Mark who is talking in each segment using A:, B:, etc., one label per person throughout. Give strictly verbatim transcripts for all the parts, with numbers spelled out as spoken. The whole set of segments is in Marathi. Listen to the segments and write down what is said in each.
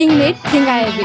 A: नीट थिंग आय बी.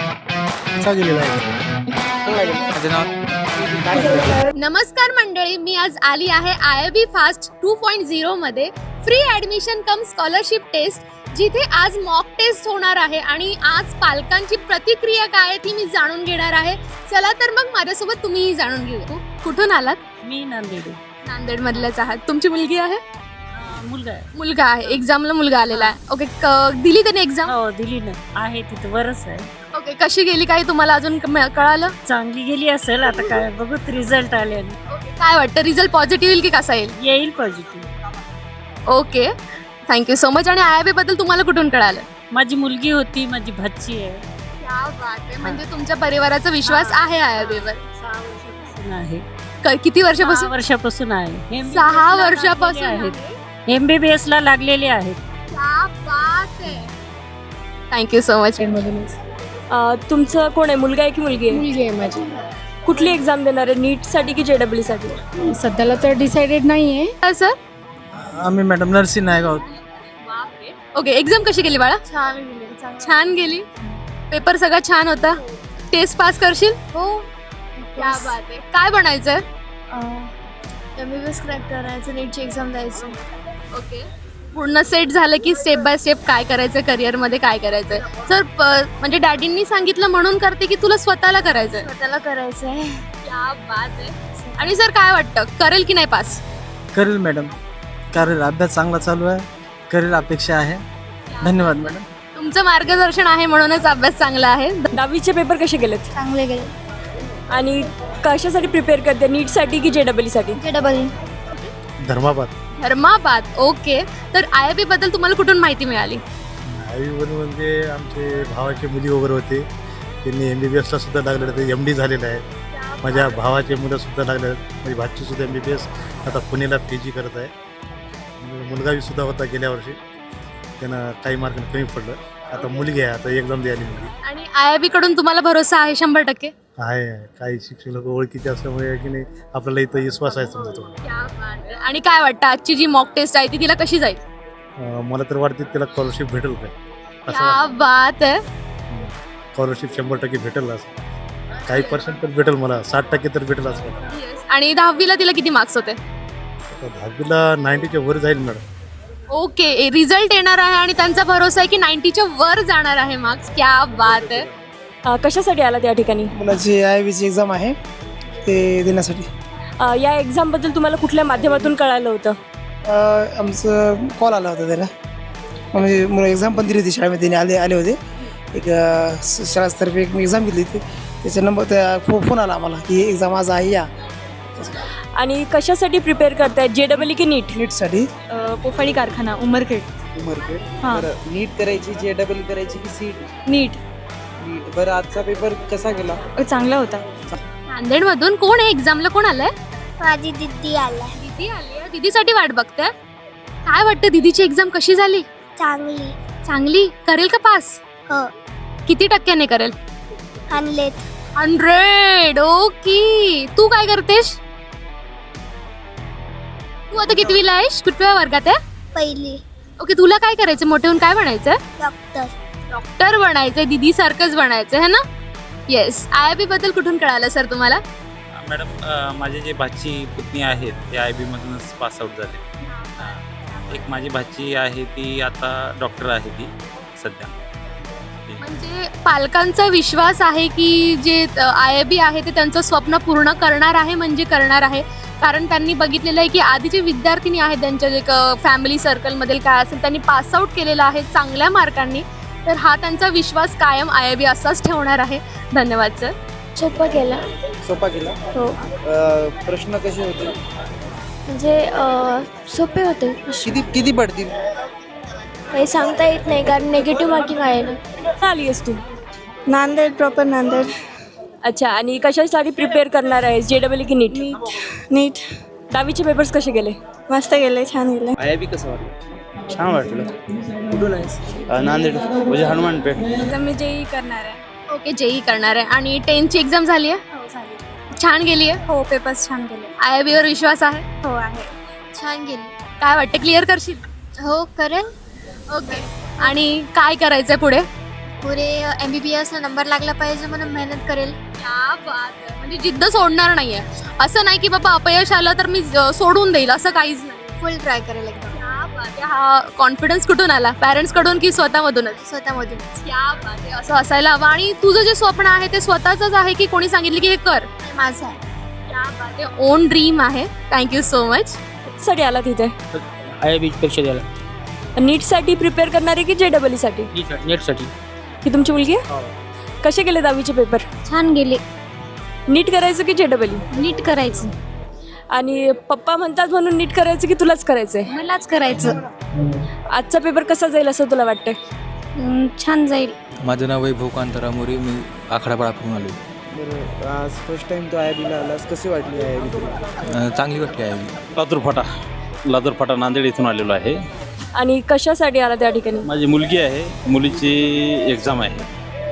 A: नमस्कार मंडळी, मी आज आली आहे I B fast two point zero मध्ये free admission cum scholarship test, जिथे आज मॉक टेस्ट होणार आहे आणि आज पालकांची प्रतिक्रिया काय आहे ती मी जाणून घेणार आहे. चला तर मग माझ्यासोबत तुम्हीही जाणून घेऊ. कुठून आलात?
B: मी नांदेड.
A: नांदेड मधल्याच आहात. तुमची मुलगी आहे?
B: मुलगा आहे.
A: मुलगा आहे. एक्झामला मुलगा आलेला आहे. ओके, दिली त्याने एक्झाम?
B: हो दिली ना, आहे तिथं वरच आहे.
A: ओके, कशी गेली काही तुम्हाला अजून क- कळालं?
B: चांगली गेली असेल, आता काय बघूत रिझल्ट आले.
A: ओके, काय वाटतं रिझल्ट पॉझिटिव्ह येईल की कसा येईल?
B: येईल positive.
A: Okay, thank you so much. आणि आय आय बी बद्दल तुम्हाला कुठून कळालं?
B: माझी मुलगी होती, माझी भाची आहे.
A: क्या बात आहे. म्हणजे तुमच्या परिवाराचा विश्वास आहे आय आय बी वर?
B: सहा वर्षापासून आहे.
A: क- किती
B: सहा
A: वर्षापासून?
B: वर्षापासून आहे.
A: सहा वर्षापासून
B: आहेत. एमबीबीएस ला लागलेले आहेत.
A: क्या बात आहे. Thank you so much.
C: तुमचं कोण आहे, मुलगा आहे की मुलगी आहे?
D: मुलगी आहे माझी.
C: कुठली एक्झाम देणार आहे, नीटसाठी की जेडब्ल्यू साठी?
D: सध्याला तर डिसाइडेड नाही आहे.
A: सर,
E: आम्ही madam Narsi Naigaon.
A: Okay, exam कशी गेली बाळा?
D: छान गेली.
A: छान गेली. पेपर सगळा छान होता. टेस्ट पास करशील?
D: हो.
A: क्या बात आहे. काय बनायचंय?
D: M B B S crack करायचं, नीटची एक्झाम द्यायची.
A: ओके, पूर्ण सेट झालं की स्टेप बाय स्टेप काय करायचं, करिअरमध्ये काय करायचंय? सर, म्हणजे डॅडींनी सांगितलं म्हणून करते की तुला स्वतःला करायचंय?
D: स्वतःला करायचं आहे.
A: क्या बात आहे. आणि सर काय वाटतं, करेल की नाही पास?
E: करेल मॅडम, करेल. अभ्यास चांगला चालू आहे, करेल अपेक्षा आहे. धन्यवाद मॅडम.
A: तुमचं मार्गदर्शन आहे म्हणूनच अभ्यास चांगला आहे.
C: दहावीचे पेपर कसे गेलेत
D: चांगले गेले.
C: आणि कशासाठी प्रिपेअर करते, नीटसाठी की जेडब्ल्यू साठी?
D: J double
E: Dharmabad.
A: Dharmabad. Okay, तर आय आय बी बद्दल तुम्हाला कुठून माहिती मिळाली?
F: आईवडील म्हणजे आमचे भावाचे मुली वगैरे होते, त्यांनी एम बी बी एसला सुद्धा लागलेलं होते, एम डी झालेलं आहे. माझ्या भावाचे मुलं सुद्धा लागले आहेत. माझी भाची सुद्धा एम बी बी एस आता पुण्याला पी जी करत आहे. मुलगा सुद्धा होता गेल्या वर्षी, त्यांना काही मार्क कमी पडलं. आता मुलगी आहे, आता एक्झाम द्यायला मुलगी
A: आणि आय आय बी कडून तुम्हाला भरोसा आहे शंभर टक्के?
F: आहे. काही शिक्षक लोक ओळखीचे असल्यामुळे की नाही आपल्याला इथं विश्वास आहे समजा तो.
A: आणि काय वाटतं आजची जी मॉक टेस्ट आहे ती तिला कशी जाईल?
F: अं, मला तर वाटते त्याला स्कॉलरशिप भेटेल काय असं
A: क्या बात आहे.
F: स्कॉलरशिप शंभर टक्के भेटेल. असं काही पर्सेंट तर भेटेल, मला साठ टक्के तर भेटेल असं मला.
A: Yes. आणि दहावीला तिला किती मार्क्स होते?
F: आता दहावीला नाईन्टीच्या वर जाईल मॅडम.
A: ओके, रिझल्ट येणार आहे आणि त्यांचा भरोसा आहे की नाईन्टीच्या वर जाणार आहे मार्क्स. क्या बात आहे.
C: अ, कशासाठी आला त्या ठिकाणी?
G: मुलाची आय बीची एक्झाम आहे, ते देण्यासाठी.
C: अ, या एक्झाम बद्दल तुम्हाला कुठल्या माध्यमातून कळालं होतं?
G: अ, आमचं कॉल आला होता त्याला, म्हणजे मुलं एक्झाम पण दिली होती शाळेमध्ये, त्याने आले आले होते. एक अ, स- शाळातर्फे एक एक्झाम घेतली होती, त्याचा नंबर त्या फो- फोन आला आम्हाला की एक्झाम आज आहे या.
C: आणि कशासाठी प्रिपेअर करतायत, जेडब्ल्यू की नीट?
G: नीटसाठी.
C: पोफाणी कारखाना, उमरखेड. हां.
H: नीट करायची, जे डबल करायची की सीट?
C: नीट.
H: नीट. बरं, आजचा पेपर कसा गेला?
C: चांगला होता.
A: नांदेड मधून कोण आहे एक्झामला? कोण आलंय?
D: माझी दिदी आला.
A: दीदी आली आहे. दीदीसाठी वाट बघते. काय वाटतं, दीदीची एक्झाम कशी झाली?
D: चांगली.
A: चांगली. करेल का पास?
D: हो.
A: किती टक्क्याने करेल?
D: आणलेत.
A: हंड्रेड. ओके, तू काय करतेस? तू आता कितवीला आहेस? कुठल्या वर्गात आहे?
D: पहिली.
A: ओके, तुला काय करायचं, मोठे होऊन काय बनायचं?
D: डॉक्टर.
A: डॉक्टर बनायचंय, दीदी सारखंच बनायचं है ना? येस. आय आय बी बद्दल कुठून कळालं सर तुम्हाला?
I: मॅडम, अ, माझे जे भाची पुतणी आहेत ते आय बी मधूनच पासआउट झाले. हां. एक माझी भाची आहे, ती आता डॉक्टर आहे ती सध्या.
A: म्हणजे पालकांचा विश्वास आहे की जे आय आय बी आहे ते त्यांचं स्वप्न पूर्ण करणार आहे, म्हणजे करणार आहे. कारण त्यांनी बघितलेलं आहे की आधी जे विद्यार्थिनी आहेत त्यांच्या जे फॅमिली सर्कलमधील काय असेल त्यांनी पासआउट केलेलं आहे चांगल्या मार्कांनी. तर हा त्यांचा विश्वास कायम आय आय बी असाच ठेवणार आहे. धन्यवाद सर.
D: सोपं केलं.
H: सोपा गेला.
D: हो.
H: अ, प्रश्न कसे होते?
D: म्हणजे अ, सोपे होते.
H: किती किती पडतील?
D: काही सांगता येत नाही कारण निगेटिव्ह मार्किंग आहे ना.
C: कुठं आली आहेस तू?
D: नांदेड, प्रॉपर नांदेड.
C: अच्छा, आणि कशासाठी प्रिपेअर करणार आहेस, जेडब्ल्यू की नीट?
D: नीट.
C: दहावीचे पेपर्स कसे गेले?
D: मस्त गेले, छान गेले.
H: आय बी कसं वाटलं?
F: छान वाटलं.
H: कुठून आहेस?
F: नांदेड म्हणजे हनुमानपेठ.
A: मी जेई करणार आहे. ओके, जेई करणार आहे. आणि टेनची एक्झाम झाली आहे?
D: हो, झाली.
A: छान गेली आहे?
D: हो, पेपर्स छान गेले.
A: आय आय बीवर विश्वास आहे?
D: हो, आहे. छान गेली.
A: काय वाटतं, क्लिअर करशील?
D: हो, करेल.
A: ओके. आणि काय करायचंय पुढे?
D: पुढे एम बी बी एसला नंबर लागला पाहिजे म्हणून मेहनत करेल.
A: क्या बात आहे. म्हणजे जिद्द सोडणार नाहीये. असं नाही की बाबा अपयश आलं तर मी अ, सोडून देईल, असं काहीच नाही.
D: फुल ट्राय करेल एकदम
A: क्या बात आहे. हा कॉन्फिडन्स कुठून आला? पॅरेंट्स कडून की स्वतःमधूनच?
D: स्वतःमधून.
A: क्या बात आहे. असं असायला हवं. आणि तुझं जे स्वप्न आहे ते स्वतःच आहे की कोणी सांगितलं की हे कर?
D: माझं आहे.
A: क्या बात आहे. ओन ड्रीम आहे. Thank you so much.
C: साठी आला तिथे
J: आय बी परीक्षा द्यायला
C: नीटसाठी प्रिपेअर करणारे की जे डबल साठी?
J: नेटसाठी.
C: ही तुमची मुलगी आहे? कसे गेले दहावीचे पेपर?
D: छान गेले.
C: नीट करायचं की जे डबल
D: नीट करायचं.
C: आणि पप्पा म्हणतात म्हणून नीट करायचं की तुलाच करायचंय?
D: मलाच करायचं.
C: आजचा पेपर कसा जाईल असं तुला वाटतंय?
D: हम्म, छान जाईल.
K: माझं नाव वैभव कांतारा मोरे, मी आखाडापाडाकडून आलो.
H: बरं आज फर्स्ट टाइम तो आय बीला आलास, कशी वाटली आय बी तुला?
K: चांगली वाटली आहे.
I: लातूर फाटा लातूर फाटा नांदेड इथून आलेलो आहे.
C: आणि कशासाठी आला त्या ठिकाणी?
I: माझी मुलगी आहे, मुलीची एक्झाम आहे.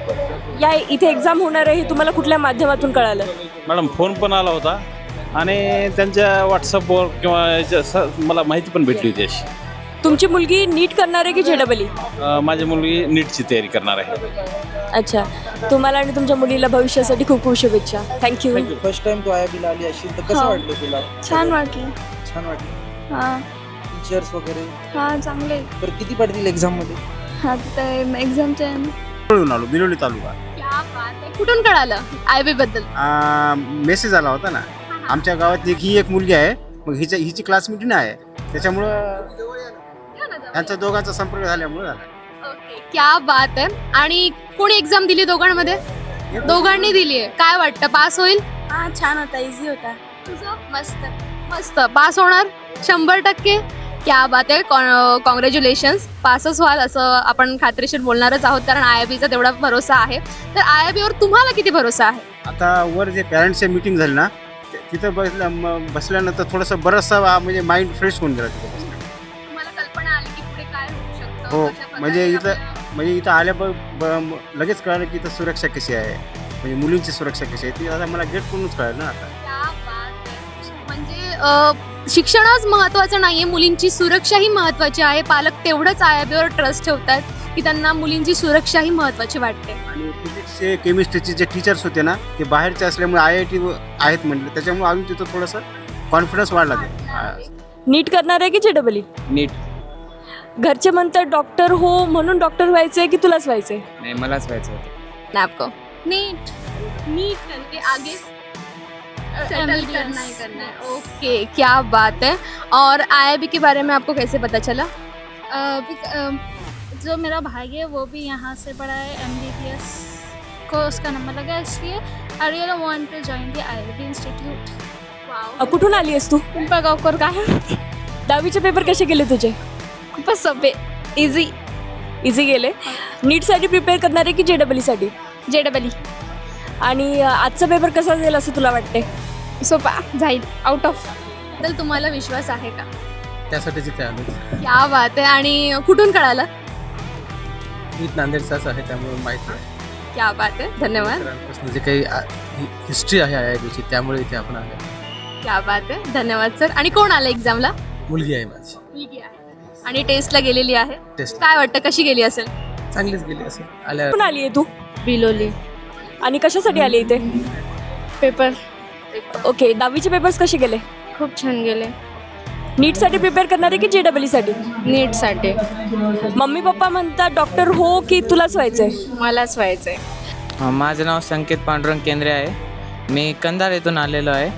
C: या इथे एक्झाम होणार आहे हे तुम्हाला कुठल्या माध्यमातून कळालं?
I: मॅडम फोन पण आला होता आणि त्यांच्या व्हॉट्सअपवर किंवा याच्या स- मला माहिती पण भेटली होती अशी.
C: तुमची मुलगी नीट करणार आहे की जे डबल
I: अ, माझी मुलगी नीटची तयारी करणार आहे.
C: अच्छा, तुम्हाला आणि तुमच्या मुलीला भविष्यासाठी खूप खूप शुभेच्छा. थँक्यू.
H: फर्स्ट टाइम तो आय बीला आली असेल तर कसं
D: हो.
H: वाटलं तुला?
D: छान वाटलं.
H: छान वाटलं.
D: हां
H: टीचर्स वगैरे
D: हां चांगले.
H: तर किती पडतील एक्झाममध्ये?
D: हां तर एक्झामचे
F: आलो बिलोली तालुका.
A: क्या बात आहे. कुठून कळालं आय बी बद्दल?
F: मेसेज आला होता ना, आमच्या गावात एक ही एक मुलगी आहे, मग हिच्या हिची क्लासमेट नाही आहे, त्याच्यामुळं त्यांच्या दोघांचा संपर्क झाल्यामुळे झाला.
A: ओके. क्या बात आहे. आणि कोणी एक्झाम दिली दोघांमध्ये? दोघांनी दिली आहे. काय वाटतं पास होईल?
D: हां छान होता. इझी होता.
A: तुझं? मस्त मस्त. पास होणार शंभर टक्के. क्या बात आहे. कॉंग्रॅच्युलेशन्स. पासच व्हाल असं आपण खात्रीशीर बोलणारच आहोत, कारण आय आय बीचा तेवढा भरोसा आहे. तर आय आय बीवर तुम्हाला किती भरोसा आहे?
F: आता वर जे पॅरेंट्सची मीटिंग झाली ना, ते- तिथं बसल्या म- बसल्यानंतर थोडंसं बरंचसा म्हणजे माइंड फ्रेश होऊन गेला तिथं बसल्यानंतर.
A: तुम्हाला कल्पना आली की पुढे काय होऊ शकतं?
F: हो,
A: कशा प्रकारे
F: म्हणजे इथं
A: आपल्या-
F: म्हणजे इथं आल्या ब ब- लगेच कळालं की इथं सुरक्षा कशी आहे, म्हणजे मुलींची सुरक्षा कशी आहे ती आता मला गेट करूनच कळलं ना आता.
A: क्या बात आहे. म्हणजे अ, शिक्षणच महत्त्वाचं नाही आहे, मुलींची सुरक्षाही महत्त्वाची आहे. पालक तेवढंच आय आय बीवर ट्रस्ट ठेवतात की त्यांना मुलींची सुरक्षाही महत्त्वाची वाटते.
F: आणि फिजिक्सचे केमिस्ट्रीचे जे टीचर्स होते ना, ते बाहेरचे असल्यामुळे आय आय टी आहेत म्हटलं, त्याच्यामुळे अजून तिथं थोडंसं कॉन्फिडन्स वाढला ते.
C: नीट करणार आहे की जे डबल
J: नीट.
C: घरचे म्हणतात डॉक्टर हो म्हणून डॉक्टर व्हायचंय की तुलाच व्हायचंय?
J: नाही मलाच व्हायचं होतं.
A: आपको नीट नीट करके आगे सेटल करना ही करना है. ओके. क्या बात है. और आई आई बी के बारे में आपको कैसे पता चला?
D: जो मेरा भाई है वो भी यहाँ से पढ़ा है एम बी बी एस को उसका नंबर लगा, इसलिए I really want to join the I I B institute.
C: अ, कुठून आली आहेस तू?
D: पिंपळगावकर. काय
C: दहावीचे पेपर कसे गेले तुझे?
D: खूपच सोपे. इझी.
C: इझी गेले. नीटसाठी प्रिपेअर करणार आहे की जे डबल साठी?
D: J double E.
C: आणि अ, आजचा पेपर कसा जाईल असं तुला वाटतंय?
D: सोपा जाईल. Out of.
A: बद्दल तुम्हाला विश्वास आहे का?
E: त्यासाठी तिथे आलो.
A: क्या बात आहे. आणि कुठून कळालं?
E: मी नांदेडचाच आहे, त्यामुळे माहिती आहे.
A: क्या बात आहे. धन्यवाद.
E: मित्रांपासून जे काही हिस्ट्री आहे आय आय बीची, त्यामुळे इथे आपण आलो.
A: क्या बात आहे. धन्यवाद सर. आणि कोण आलं एक्झामला?
E: मुलगी आहे माझी.
A: मुलगी आहे आणि टेस्टला गेलेली आहे.
E: टेस्ट
A: काय वाटतं कशी गेली असेल?
E: चांगलीच गेली असेल. आल्या
C: कुठून आली आहे तू?
D: बिलोली.
C: आणि कशासाठी आली इथे?
D: Paper
C: okay. दहावीचे पेपर्स कसे गेले?
D: खूप छान गेले.
C: नीटसाठी प्रिपेअर करणार आहे की जे डबल साठी?
D: नीटसाठी.
C: मम्मी पप्पा म्हणतात डॉक्टर हो की तुलाच व्हायचंय?
D: मलाच व्हायचंय.
J: माझं नाव संकेत पांडुरंग केंद्रे आहे. मी कंधार येथून आलेलो आहे.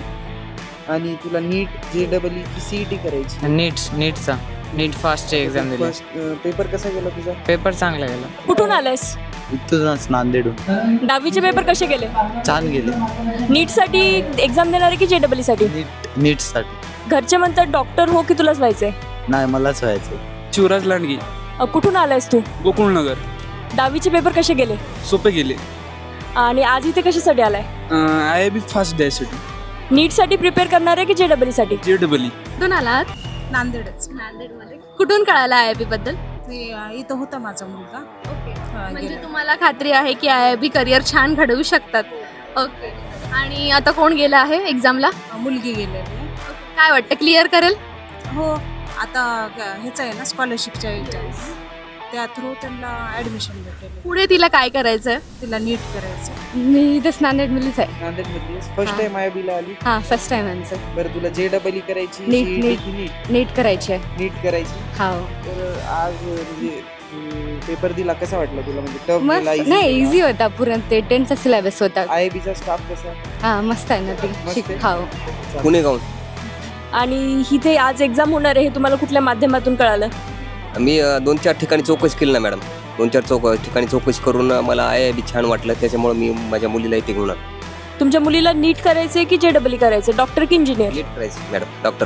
H: आणि तुला नीट जे डबल ई की सी ई टी करायची?
J: नीट नीटचा नीट फास्टची एक्झाम दिली.
H: फर्स्ट पेपर कसा गेला तुझा?
J: पेपर चांगला गेला.
C: कुठून आलायस?
K: इथूनच नांदेडून.
C: दहावीचे पेपर कसे गेले?
K: छान गेले.
C: नीटसाठी एक्झाम देणार आहे की जे डबल साठी?
K: नीट नीटसाठी.
C: घरचे म्हणतात डॉक्टर हो की तुलाच व्हायचंय?
K: नाही मलाच व्हायचं.
J: शिवराज लांडगी,
C: अ, कुठून आलायस तू?
J: गोकुळनगर.
C: दहावीचे पेपर कसे गेले?
J: सोपे गेले.
C: आणि आज इथे कशासाठी आलाय?
J: आय आय बी फास्ट द्यायसाठी.
C: नीटसाठी प्रिपेअर करणार आहे की जे डबल साठी?
J: J double E.
A: कुठून आलात?
B: नांदेडच.
A: नांदेडमध्ये. कुठून कळालं आय आय बी बद्दल?
B: ते अ, इथं होता माझा मुलगा.
A: ओके.
B: हा,
A: म्हणजे
B: गेला.
A: तुम्हाला खात्री आहे की आय आय बी करिअर छान घडवू शकतात. ओके. आणि आता कोण गेलं आहे एक्झामला?
B: अ, मुलगी गेलेली आहे.
A: काय वाटतं क्लिअर करेल?
B: हो आता ग- ह्याचं आहे ना स्कॉलरशिपच्या याच्या. त्या थ्रू त्यांना ॲडमिशन भेटेल.
A: पुढे तिला काय करायचंय?
B: तिला नीट करायचं.
C: मी इथेच नांदेड मुलीच आहे.
H: नांदेडमधली फर्स्ट टाइम आय बीला आली.
C: हां फर्स्ट टाइम आमचं.
H: बरं तुला जे डबल ई करायची
C: नीट,
H: CET
C: नीट.
H: की नीट
C: नीट करायची आहे.
H: नीट करायची.
C: हो
H: तर आज म्हणजे पेपर दिला कसा वाटला तुला म्हणजे टफ गेला
C: मस्त नाही इझी होता पूर्ण ते टेनचा सिलेबस होता.
H: आय बीचा स्टाफ कसा
C: हां मस्त आहे ना ते
H: मस्त
C: शिक
H: आहे.
C: हो.
L: पुणे गाऊन
C: आणि इथे आज एक्झाम होणार आहे हे तुम्हाला कुठल्या माध्यमातून कळालं?
L: मी अ, दोन चार ठिकाणी चौकशी केली ना मॅडम. दोन चार चौक ठिकाणी चौकशी करून अ, मला आय आय बी छान वाटलं, त्याच्यामुळे मी माझ्या मुलीला इथे घेऊन आलो.
C: तुमच्या मुलीला नीट करायचंय की जे डबल ई करायचं, डॉक्टर की इंजिनियर?
L: नीट करायचं madam, doctor.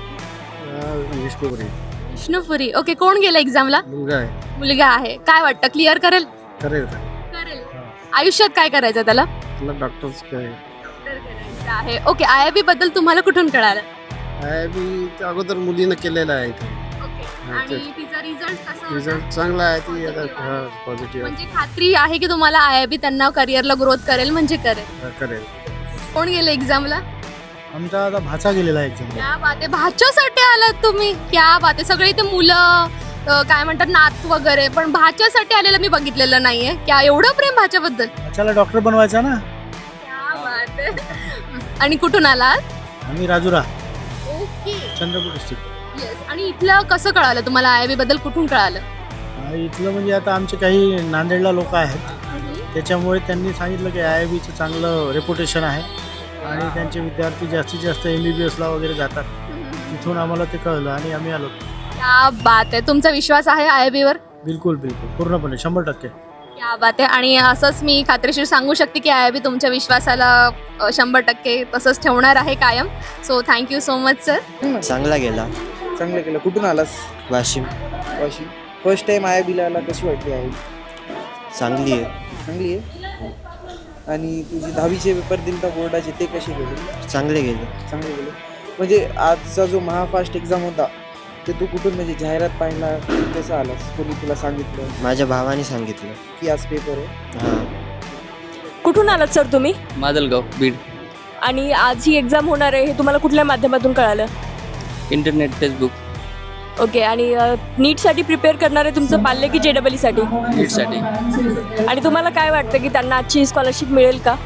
E: Vishnupuri
A: Vishnupuri. Okay, कोण गेलं एक्झामला?
E: मुलगा आहे.
A: मुलगा आहे. काय वाटतं क्लिअर करेल?
E: करेल
A: करेल. आयुष्यात काय करायचं त्याला?
E: तुला डॉक्टर्स काय
A: डॉक्टर करायचं आहे. ओके, आय आय बी बद्दल तुम्हाला कुठून कळालं?
E: आय बी अगोदर मुलीनं केलेलं आहे इथे.
A: ओके.
E: हा,
A: आणि
E: ते-
A: तिचा रिझल्ट कसा होता?
E: रिझल्ट चांगला आहे. ती आता पॉझिटिव्ह
A: म्हणजे खात्री आहे की तुम्हाला आय आय बी त्यांना करिअरला ग्रोथ करेल म्हणजे करेल.
E: करेल.
A: कोण गेले एक्झामला?
F: आमचा आता भाचा गेलेला आहे एक्झाम.
A: क्या बात आहे, भाच्यासाठी आलात तुम्ही? क्या बात आहे. सगळे इथे मुलं अ, काय म्हणतात नात वगैरे, पण भाच्यासाठी आलेलं मी बघितलेलं नाहीये. क्या एवढं प्रेम भाच्याबद्दल?
F: भाच्याला डॉक्टर बनवायचा ना.
A: क्या बात आहे. आणि कुठून आलात?
F: आम्ही Rajura,
A: okay.
F: Chandrapur district.
A: Yes. आणि इथलं कसं कळालं तुम्हाला? आय आय बी बद्दल कुठून कळालं?
F: इथलं म्हणजे आता आमचे काही नांदेडला लोक आहेत, त्याच्यामुळे त्यांनी सांगितलं की आय आय बीचं चांगलं रेप्युटेशन आहे आणि त्यांचे विद्यार्थी जास्तीत जास्त एम बी बी एसला वगैरे जातात. तिथून आम्हाला ते कळलं आणि आम्ही आलो.
A: क्या बात आहे. तुमचा विश्वास आहे आय आय बी वर?
F: बिलकुल बिलकुल पूर्णपणे शंभर टक्के.
A: क्या बात आहे. आणि असंच मी खात्रीशीर सांगू शकते की आय आय बी तुमच्या विश्वासाला अ, शंभर टक्के तसंच ठेवणार आहे कायम. So thank you so much sir.
L: चांगला गेला.
H: चांगलं केलं. कुठून आलास?
L: Washim.
H: Washim. First time I बीला आला, कशी वाटली आहे?
L: चांगली आहे.
H: चांगली आहे. आणि तुझी दहावीचे पेपर दिले बोर्डाचे ते कसे गेले?
L: चांगले गेले.
H: चांगले गेले. म्हणजे आजचा जो महाफास्ट एक्झाम होता ते तू कुठून म्हणजे जाहिरात पाहिला कसं आलास? कोणी तुला सांगितलं
L: माझ्या भावाने सांगितलं
H: की आज पेपर आहे?
L: हां.
C: कुठून आलात सर तुम्ही?
K: मादलगाव, बीड.
C: आणि आज ही एक्झाम होणार आहे हे तुम्हाला कुठल्या माध्यमातून कळालं?
K: Internet, Facebook.
C: ओके. आणि नीटसाठी प्रिपेअर करणार आहे तुमचं पाल्य की जे डबल ईसाठी?
K: नीटसाठी.
C: आणि तुम्हाला काय वाटतं की त्यांना आजची स्कॉलरशिप मिळेल का?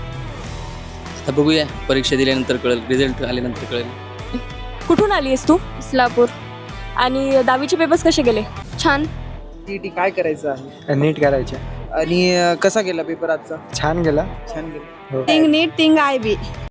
K: आता बघूया, परीक्षा दिल्यानंतर कळेल, रिझल्ट आल्यानंतर कळेल.
C: कुठून आली आहेस तू?
A: इस्लापूर.
C: आणि दहावीचे पेपर्स कसे गेले?
A: छान.
H: टी टी काय करायचं आहे? नीट करायचे. आणि अं, कसा गेला पेपर आजचा?
E: छान गेला.
H: छान गेला.
B: Think NEET think I B.